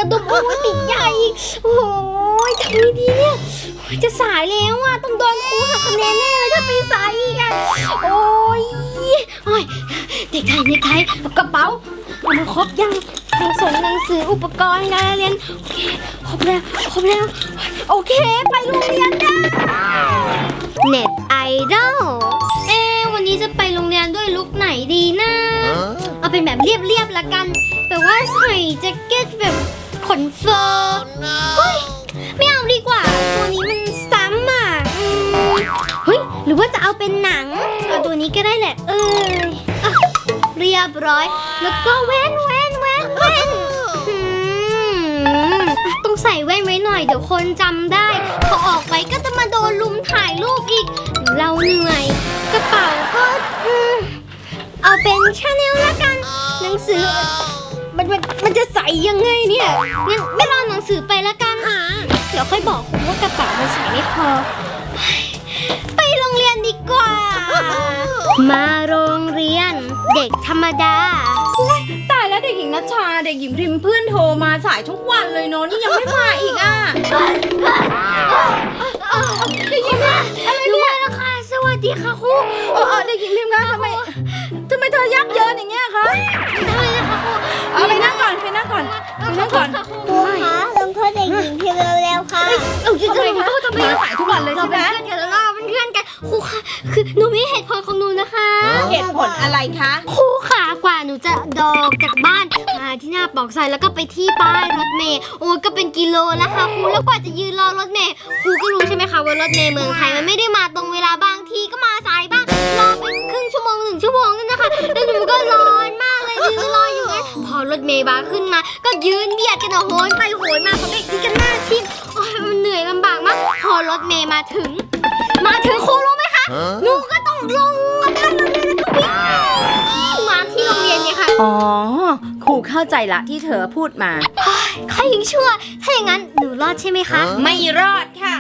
ดมโอ้ยติดใหญ่โอ้ยทำไงดีเนี่ยจะสายแล้วอ่ะต้องโดนครูหักคะแนนแน่เลยถ้าไปสายอีกอ่ะโอ้ยเด็กไทยกระเป๋าเอามาครบยังส่งหนังสืออุปกรณ์การเรียนโอเคครบแล้วโอเคไปโรงเรียนได้เน็ตไอดอลวันนี้จะไปโรงเรียนด้วยลุคไหนดีนะเอาเป็นแบบเรียบละกันแต่ว่าใส่แจ็คเก็ตแบบขนเฟอร์เฮ้ยไม่เอาดีกว่าตัวนี้มันซ้ำอ่ะเฮ้ยหรือว่าจะเอาเป็นหนังเอาตัวนี้ก็ได้แหละเรียบร้อยแล้วก็แว่นต้องใส่แว่นไว้หน่อยเดี๋ยวคนจำได้พอออกไปก็จะมาโดนลุมถ่ายรูปอีกเราเหนื่อยกระเป๋าก็เอาเป็นชาแนลละกันหนังสือมันจะใส่ยังไงเนี่ยงั้นไม่รอหนังสือไปละกันเดี๋ยวค่อยบอกว่ากระเป๋ามันใส่ไม่พอไปโรงเรียนดีกว่ามาโรงเรียนเด็กธรรมดาตายแล้วเด็กหญิงนัชชาเด็กหญิงพิมพ์เพื่อนโทรมาสายทุกวันเลยเนาะนี่ยังไม่มาอีกอ่ะเด็กหญิงอะไรเนี่ยนะคะสวัสดีค่ะครูเด็กหญิงพิมพ์คะทำไมเธอยักเยินอย่างเงี้ยคะทำไมนะคะครูไปนั่งก่อนครูคะลงโทษเด็กหญิงพิมพ์เร็วๆค่ะทำไมคะทำไมสายทุกวันเลยใช่ไหมเราเป็นเพื่อนกันครูค่ะคือหนูมีเหตุผลของหนูนะคะเหตุผลอะไรคะครูค่ะกว่าหนูจะดอกจากบ้านมาที่หน้าปากซอยแล้วก็ไปที่ป้ายรถเมล์โอ้ก็เป็นกิโลแล้วค่ะครูแล้วกว่าจะยืนรอรถเมล์ครูก็รู้ใช่ไหมคะว่ารถเมล์เมืองไทยมันไม่ได้มาตรงเวลาบางทีก็มาสายบ้างรอเป็นครึ่งชั่วโมง1 ชั่วโมงนั่นนะคะแล้วหนูก็ร้อนมากเลยยืนรออยู่งั้นพอรถเมล์มาขึ้นมาก็ยืนเบียดกันโหนไปโหนมาเขาเด็กที่กันหน้าทิ่มโอ้ยมันเหนื่อยลำบากมากพอรถเมล์มาถึงครูรู้ไหมคะหนูก็ต้องลงมาด้านโรงเรียนแล้วก็วิ่งมาที่โรงเรียนเนี่ยค่ะครูเข้าใจละที่เธอพูดมาใครยังชั่วถ้าอย่างนั้นหนูรอดใช่ไหมคะไม่รอดค่ะ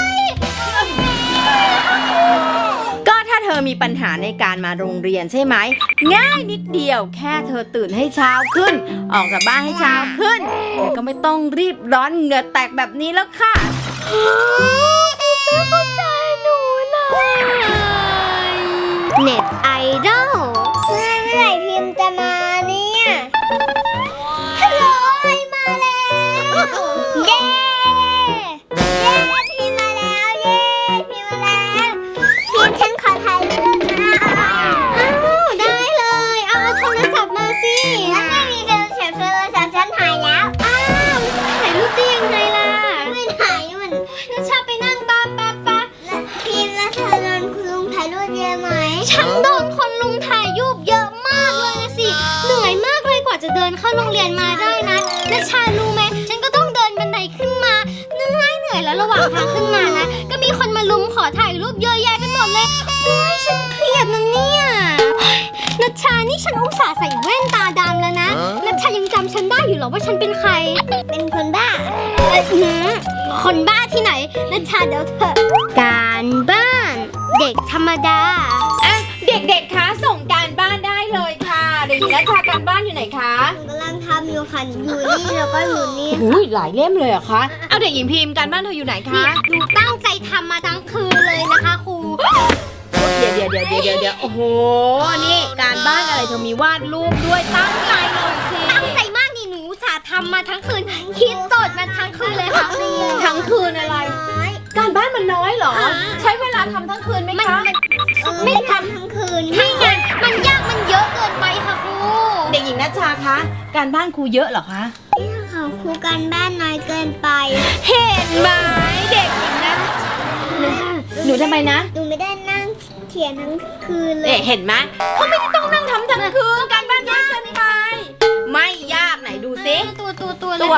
ก็ถ้าเธอมีปัญหาในการมาโรงเรียนใช่ไหมง่ายนิดเดียวแค่เธอตื่นให้เช้าขึ้นออกจากบ้านให้เช้าขึ้นแล้วก็ไม่ต้องรีบร้อนเหงื่อแตกแบบนี้แล้วค่ะไม่เข้าใจหนูเลยเน็ตไอดอลเมื่อไหร่พิมพ์จะมาเนี่ยฮัลโหลมาแล้วเย้พิมพ์มาแล้วพิมพ์ฉันขอถ่ายรูปนะได้เลยเอาโทรศัพท์มาสิแล้วไม่มีโทรศัพท์ฉันถ่ายแล้วถ่ายรูปได้ยังไงล่ะไม่ถ่ายมันนัชชาไปนั่งป้าพิมพ์แล้วเธอโดนคุณลุงถ่ายรูปเยอะไหมฉันโดนคนลุงถ่ายรูปเยอะมากเลยนะสิเหนื่อยมากเลยกว่าจะเดินเข้าโรงเรียนมาได้นะนัชชารู้ไหมฉันก็ต้องเดินบันไดขึ้นมาเหนื่อยแล้วระหว่างทางขึ้นมานะก็มีคนมาลุมขอถ่ายรูปเยอะแยะไปหมดเลยโอ้ยฉันเครียดนะเนี่ยนัชชานี่ฉันอุตส่าห์ใส่แว่นตาดำแล้วนะนัชชายังจำฉันได้อยู่หรอว่าฉันเป็นใครเป็นคนบ้าคนบ้าที่ไหนนัชชาเดี๋ยวเถอะการบ้านเด็กธรรมดาเด็กๆคะส่งการบ้านได้เลยค่ะเด็กหญิงนัชชาการบ้านอยู่ไหนคะหนูกำลังทำอยู่ค่ะอยู่นี่แล้วก็อยู่นี่หลายเล่มเลยเหรอคะเอาเด็กหญิงพิมพ์การบ้านเธออยู่ไหนคะหนูตั้งใจทำมาทั้งคืนเลยนะคะครูเดี๋ยวโอ้โหนี่การบ้านอะไรเธอมีวาดรูปด้วยตั้งใจหน่อยสิตั้งใจมากนี่หนูอุตส่าห์ทำมาทั้งคืนคิดโจทย์มาทั้งคืนเลยค่ะทั้งคืนอะไรการบ้านมันน้อยเหรอใช้เวลาทำทั้งคืนไหมคะไม่ทำทั้งคืนไม่ไงมันยากมันเยอะเกินไปค่ะครูเด็กหญิงนัชชาคะการบ้านครูเยอะเหรอคะค่ะครูการบ้านน้อยเกินไปเห็นไหมเด็กหญิงนัชหนูทำไมนะหนูไม่ได้นั่งเขียนทั้งคืนเลยเห็นไหมเขาไม่ได้ต้องนั่งทำทั้งคืนการบ้านยากเกินไปไม่ยากไหนดูซิตัว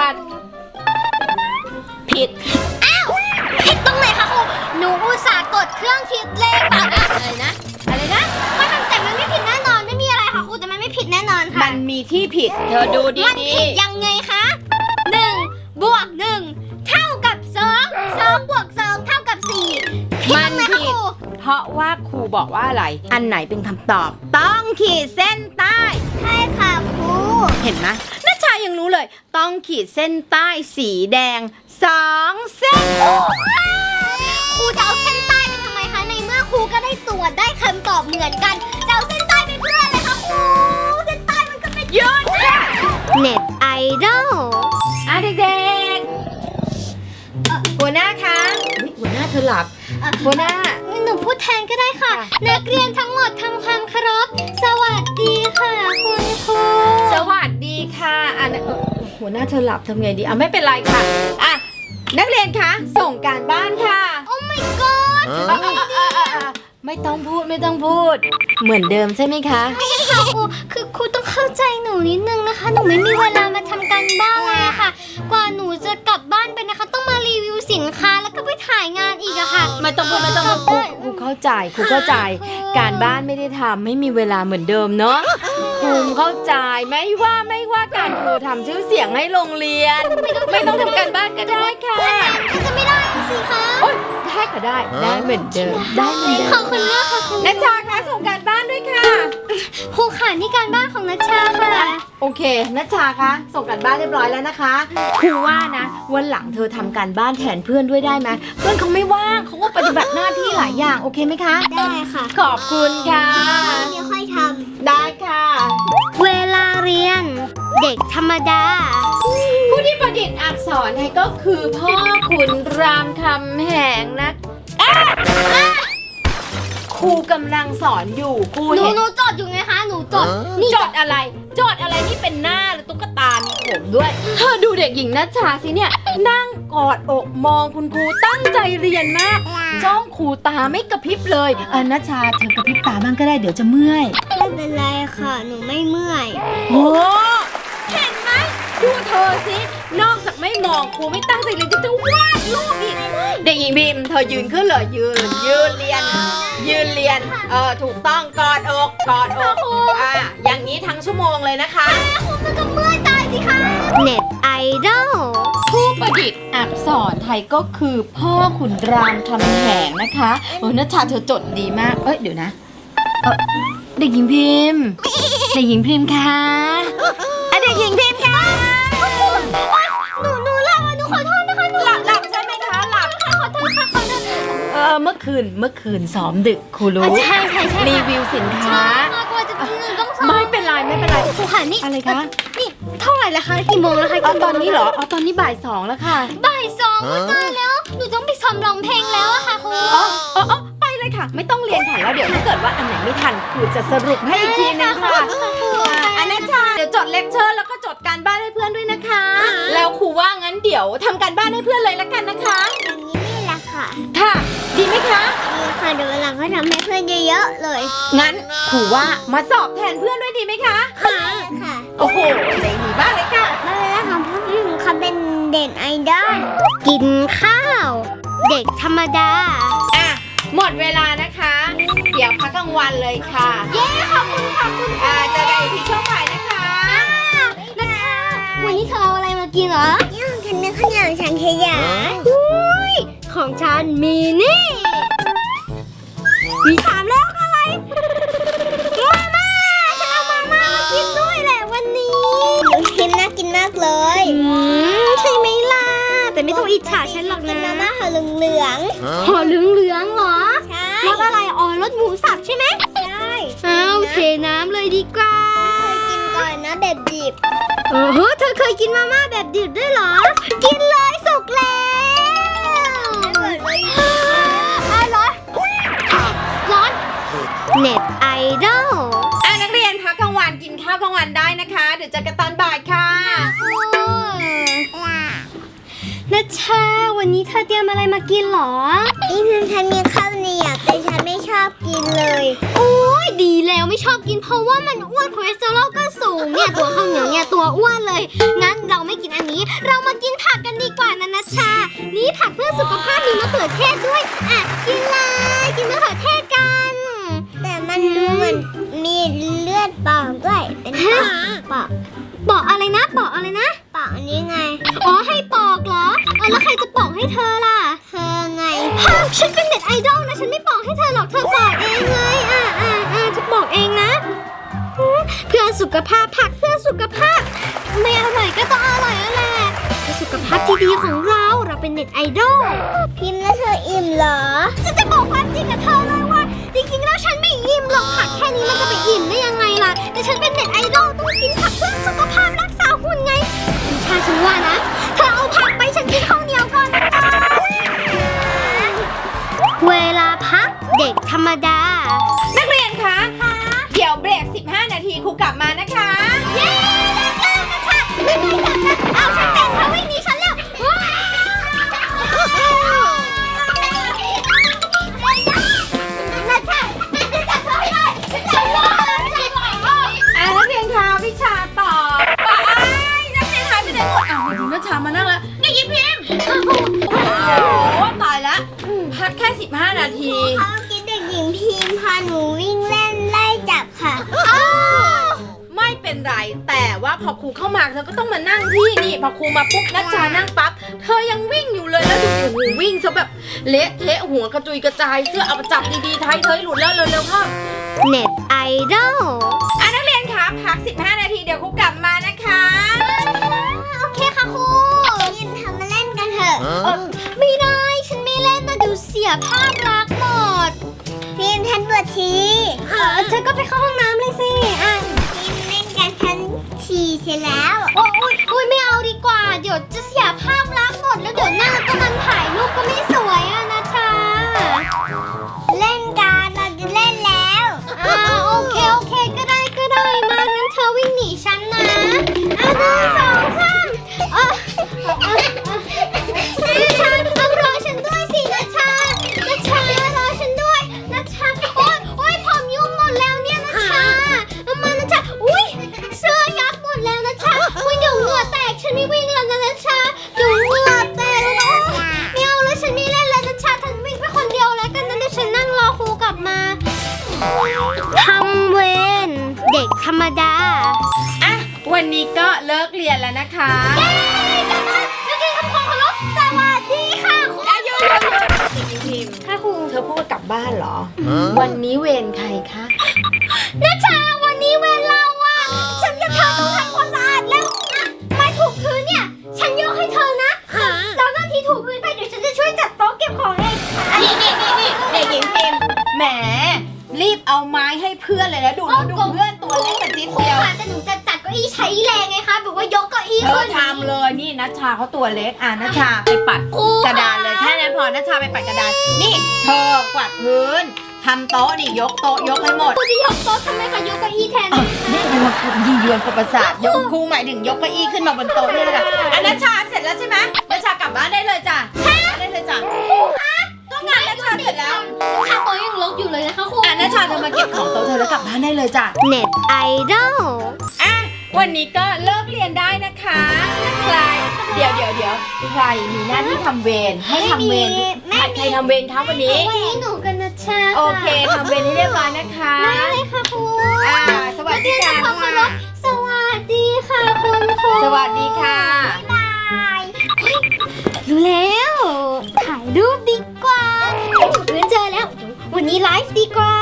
ผิดผิดตรงไหนคะครูหนูอุตส่าห์กดเครื่องคิดเลขอะไรนะแต่มันไม่ผิดแน่นอนไม่มีอะไรค่ะครูแต่มันไม่ผิดแน่นอนค่ะมันมีที่ผิดเธอดูดีๆมันผิดยังไงคะ1 บวก 1เท่ากับ2 บวก 2เท่ากับ4 มันผิดเพราะว่าครูบอกว่าอะไรอันไหนเป็นคำตอบต้องขีดเส้นใต้ใช่ค่ะครูเห็นไหมนัชชายังรู้เลย ต้องขีดเส้นใต้สีแดง2 เส้นครูจะเอาเส้นใต้ไปทำไมคะในเมื่อครูก็ได้ตรวจได้คำตอบเหมือนกันจะเอาเส้นใต้ไปเพื่ออะไรคะครูเส้นใต้มันก็เป็นหยุดค่ะเน็ตไอดอลเด็กๆหัวหน้าคะอุ๊ยหัวหน้าเธอหลับหัวหน้าหนูพูดแทนก็ได้ค่ะ นักเรียนทั้งหมดทำความเคารพสวัสดีค่ะคุณครูสวัสดีค่ะหัวหน้าเธอหลับทำไงดีไม่เป็นไรค่ะนักเรียนคะส่งการบ้านค่ะโอ้ my god ไม่ต้องพูดเหมือนเดิมใช่ไหมคะค่ะครูคือครูต้องเข้าใจหนูนิดนึงนะคะ หนูไม่มีเวลามาทำการบ้านเลยอะค่ะ กว่าหนูจะกลับบ้านไปนะคะ ต้องมารีวิวสินค้าแล้วก็ไปถ่ายงานอีกอะค่ะไม่ต้องพูดครูเข้าใจการบ้านไม่ได้ทำไม่มีเวลาเหมือนเดิมเนาะครูเข้าใจไม่ว่าการครูทำชื่อเสียงให้โรงเรียน ไม่ต้องทำการบ้านก็ได้ค่ะมันจะไม่ได้สิคะโอ๊ยได้ค่ะได้เหมือนเดิมขอบคุณมากค่ะครูนัชชาคะส่งการบ้านด้วยค่ะครูค่ะนี่การบ้านของนัชชาค่ะโอเคนัชชาคะส่งการบ้านเรียบร้อยแล้วนะคะครูว่านะวันหลังเธอทำการบ้านแทนเพื่อนด้วยได้ไหมเพื่อนเขาไม่ว่างเขาก็ปฏิบัติหน้าที่หลายอย่างโอเคไหมคะได้ค่ะขอบคุณค่ะเดี๋ยวค่อยทได้ค่ะำเวลาเรียน เด็กธรรมดาผู้ที่ประดิษฐ์อักษรให้ก็คือพ่อขุนรามคำแหงนะครูกำลังสอนอยู่ครูหนูเห็นจดอยู่ไงคะ หนูจดจดอะไรที่เป็นหน้าหรือตุ๊กตามีผมด้วยเธอดูเด็กหญิงนัชชาสิเนี่ยนั่งกอดอกมองคุณครูตั้งใจเรียนมากจ้องครูตาไม่กระพริบเลยนัชชาเธอกระพริบตาบ้างก็ได้เดี๋ยวจะเมื่อยไม่เป็นไรค่ะ หนูไม่เมื่อยโอ้เห็นไหมดูเธอสินอกจากไม่มองครูไม่ตั้งใจเรียนจะวาดรูปอีกเด็กหญิงพิมพ์เธอยืนขึ้นเลยยืนเรียนถูกต้องกอดอกอย่างนี้ทั้งชั่วโมงเลยนะคะมันก็เมื่อยตายสิคะ เน็ตไอดอลผู้ประดิษฐ์อักษรไทยก็คือพ่อขุนรามคำแหงนะคะนัชชาเธอจดดีมากเดี๋ยวนะเด็กหญิงพิมพ์คะเด็กหญิงพิมพ์ค่ะหนูหลับอ่ะหนูขอโทษนะคะหนูหลับใช่ไหมคะหลับขอโทษค่ะขอโทษเมื่อคืนซ้อมดึกครูรู้ใช่ค่ะรีวิวสินค้ากว่าจะต้องสอบไม่เป็นไรครูค่ะนี่อะไรคะนี่เท่าไหร่ละคะกี่โมงแล้วคะตอนนี้เหรอตอนนี้บ่าย 2แล้วค่ะบ่ายสองตายแล้วหนูต้องไปซ้อมร้องเพลงแล้วอะค่ะครูไปเลยค่ะ ไม่ต้องเรียนค่ะแล้วเดี๋ยวถ้าเกิดว่าอันไหนไม่ทันครูจะสรุปให้อีกทีนึงค่ะอันนั้นค่ะเดี๋ยวจดเลคเชอร์แล้วก็จดการบ้านให้เพื่อนด้วยนะคะ แล้วครูว่างั้นเดี๋ยวทำการบ้านให้เพื่อนเลยละกันนะคะอย่างนี้นี่แหละค่ะค่ะ ดีไหมคะนี่ค่ะเดี๋ยววันหลังก็ทำให้เพื่อนเยอะๆเลยงั้นครูว่ามาสอบแทนเพื่อนด้วยดีไหมคะค่ะโอ้โหใจดีมากเลยค่ะมาแล้วค่ะพ่อพี่ของเขาเป็นเด่นไอดอลกินข้าว เด็กธรรมดาหมดเวลานะคะ เดี๋ยวพักกลางวันเลยค่ะเย้ขอบคุณค่ะคุณเจอกันอีกที่ช่วงบ่ายนะคะนัทธาวันนี้เธอเอาอะไรมากินเหรอย่างฉันนึกข้าวเหนียวฉันขยะอุ้ยของฉันมีนี่มี3แล้วอะไรมาม่าฉันเอามาม่ามากินด้วยแหละวันนี้ชิมน่ากินมากเลยใช่ไหมล่ะแต่ไม่ต้องอิจฉาฉันหรอกนะมาม่าห่อเหลืองห่อเหลืองเหรอใช่รสอะไรรสหมูสับใช่ไหมใช่โอเคน้ำเลยดีกว่าเคยกินก่อนนะแบบดิบเธอเคยกินมาม่าแบบดิบด้วยเหรอกินเลยสุกแล้วร้อนเน็ตไอดอลนักเรียนพักกลางวันกินข้าวกลางวันได้นะคะ เดี๋ยวเจอกันตอนบ่ายค่ะนัชชาวันนี้เธอเตรียมอะไรมากินหรอนี่ฉันมีข้าวเหนียวแต่ฉันไม่ชอบกินเลยโอ้ยดีแล้วไม่ชอบกินเพราะว่ามันอ้วนคอเลสเตอรอลก็สูงเนี่ยตัวข้าวเหนียวเนี่ยตัวอ้วนเลยงั้นเราไม่กินอันนี้เรามากินผักกันดีกว่านะนัชชานี่ผักเพื่อสุขภาพมีมะเขือเทศด้วยกินเลยกินมะเขือเทศกันแต่มันดูเหมือนมีเลือดปอกด้วยเป็นปอกอะไรนะปอกอะไรนะปอกอันนี้ไงให้ปอกเหรอแล้วใครจะปอกให้เธอล่ะเธอไงฉันเป็นเน็ตไอดอลนะฉันไม่ปอกให้เธอหรอกเธอปอกเองเลยจะปอกเองนะเพื่อสุขภาพผักเพื่อสุขภาพไม่อร่อยก็ก็ต้องอร่อยแล้วแหละเพื่อสุขภาพที่ดีของเราเป็นเน็ตไอดอลพิมพ์แล้วเธออิ่มเหรอจะบอกความจริงกับเธอเลยว่าจริงๆแล้วฉันไม่อิ่มหรอกผักแค่นี้มันจะไปอิ่มได้ยังไงล่ะแต่ฉันเป็นเน็ตไอดอลต้องกินผักเพื่อสุขภาพรักษาหุ่นไงพี่ชาฉันว่านะเธอเอาผักไปฉันกินข้าวเหนียวก่อนนะจ๊ะเวลาพักเด็กธรรมดานักเรียนคะเดี๋ยวเบรก 15 นาทีครูกลับมานะคะเย้ได้แล้วนะคะไม่ได้กลับนะเอาฉันเป็นเธอวิ่งหนีฉันแล้วว้าวนักจับเธอให้ได้ฉันจับเลยนักเรียนคะวิชาตอบนักเรียนหายไปไหนหมดมาถึงนัชชามานั่งแล้วนี่ยิ้มพิมโอ้ตายแล้วพักแค่ 15 นาทีเขาคิดเด็กหญิงพิมพาหนูวิ่งเล่นไล่จับค่ะไม่เป็นไรแต่ว่าพอครูเข้ามาเธอก็ต้องมานั่งที่นี่พอครูมาปุ๊บนัชชานั่งปั๊บเธอยังวิ่งอยู่เลยแล้วดูดิโอ้โหวิ่งซะแบบเละเทะหัวกระจุยกระจายเสื้อเอาไปจับดีๆไทยเธอหลุดแล้วเร็วๆเข้าเน็ตไอดอลนักเรียนคะพัก 15 นาทีเดี๋ยวครูกลับมานะคะโอเคค่ะครูยินทำมาเล่นกันเถอะไม่ได้ฉันไม่เล่นนะเดี๋ยวเสียภาพลักษณ์หมดพิมฉันปวดฉี่เธอก็ไปเข้าห้องน้ำเลยสิพิมเล่นกันฉันฉี่เสร็จแล้วโอ้ยไม่เอาดีกว่าเดี๋ยวจะเสียภาพลักษณ์หมดแล้วเดี๋ยวหน้าก็มันถ่ายรูปก็ไม่สวยอะนะชาเล่นกันเราจะเล่นแล้วโอเคก็ได้มางั้นเธอวิ่งหนีฉันนะ1 2 3นัชชาต้องรอฉันด้วยสินัชชารอฉันด้วยนัชชาโอ๊ยผมยุ่งหมดแล้วเนี่ยนัชชามานัชชาอุ้ยเสื้อยับหมดแล้วนัชชาอุ้ยเดี๋ยวเหงื่อแตกฉันไม่วิ่งแล้วนะนัชชาเดี๋ยวเหงื่อแตกแล้วไม่เอาแล้วฉันไม่เล่นแล้วนัชชาฉันวิ่งไปคนเดียวแล้วกันนะเดี๋ยวฉันนั่งรอครูกลับมาทำเวรเด็กธรรมดาวันนี้ก็เลิกเรียนแล้วนะคะเย้กลับมานักเรียนทำความเคารพสวัสดีค่ะครูพิมค่ะครูเธอพูดว่ากลับบ้านเหรอ วันนี้เวรใครคะนัชชาวันนี้เวรเราอะฉันกับเธอต้องทำความสะอาดแล้วไม้ถูพื้นเนี่ยฉันยกให้เธอนะแล้วหน้าที่ถูพื้นไปเดี๋ยวฉันจะช่วยจัดโต๊ะเก็บของเองนี่เด็กหญิงพิมแหมรีบเอาไม้ให้เพื่อนเลยนะดูเพื่อนตัวเล็กกระจิ๊ดครูเดียวค่ะแต่หนูจะจัดเก้าอี้ใช้แรงไงคะแบบว่ายกเก้าอี้เธขึ้อน ทำเลยนี่นัชชาเขาตัวเล็กนัชชาไปปัดกระดานเลยแค่นั้นพอนัชชาไปปัดกระดานนี่เธอกวาดพื้นทำโต๊ะนี่ยกโต๊ะยกให้หมดครูจะยกโต๊ะทำไมคะยกเก้าอี้แทนนี่ยียวนกับประสาทยกครูหมายถึงยกเก้าอี้ขึ้นมาบนโต๊ะนี่แหละค่ะนัชชาเสร็จแล้วใช่ไหมนัชชากลับบ้านได้เลยจ้ะได้เลยจ้ะก็งานนัชชาเสร็จแล้วชาโต๊ะยังรกอยู่เลยนะคะครูนัชชาเธอมาเก็บของโต๊ะเธอแล้วกลับบ้านได้เลยจ้ะเน็ตไอดอลวันนี้ก็เลิกเรียนได้นะคะใครเดี๋ยวใครมีหน้าที่ทำเวรให้ทำเวรใครทำเวรคะวันนี้วันนี้หนูกับนัชชาโอเคทำเวรให้เรียบร้อยนะคะได้เลยค่ะครูสวัสดีค่ะขอบคุณค่ะสวัสดีค่ะคุณครูสวัสดีค่ะบ๊ายบายรู้แล้วถ่ายรูปดีกว่าไปถึงพื้นเจอแล้ววันนี้ไลฟ์ดีกว่า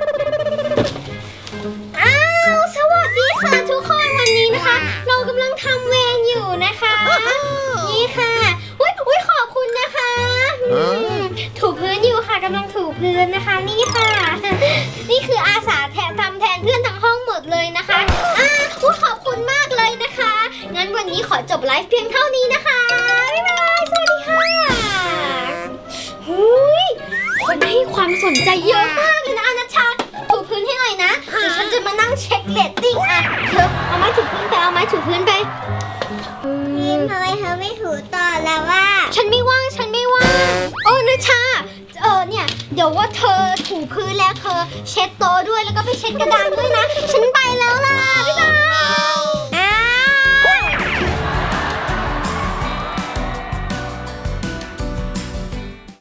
สวัสดีค่ะทุกคนวันนี้นะคะ เรากำลังทำเวรอยู่นะคะนี่ค่ะอุ้ยขอบคุณนะคะถูพื้นอยู่ค่ะกำลังถูพื้นนะคะนี่ค่ะ นี่คืออาสาทำแทนเพื่อนทั้งห้องหมดเลยนะคะขอบคุณมากเลยนะคะงั้นวันนี้ขอจบไลฟ์เพียงเท่านี้นะคะบ๊ายบายสวัสดีค่ะคนให้ความสนใจเยอะมากเลยนะนัชชาถูพื้นให้หน่อยนะเดี๋ยวฉันจะมานั่งเช็คเรตติ้งเธอเอาไม้ถูพื้นไปพิมทำไมเธอไม่ถูต่อแล้วว่าฉันไม่ว่างนัชชาเนี่ยเดี๋ยวว่าเธอถูพื้นแล้วเธอเช็ดโต๊ะด้วยแล้วก็ไปเช็ดกระดานด้วยนะฉันไปแล้วล่ะบ๊ายบาย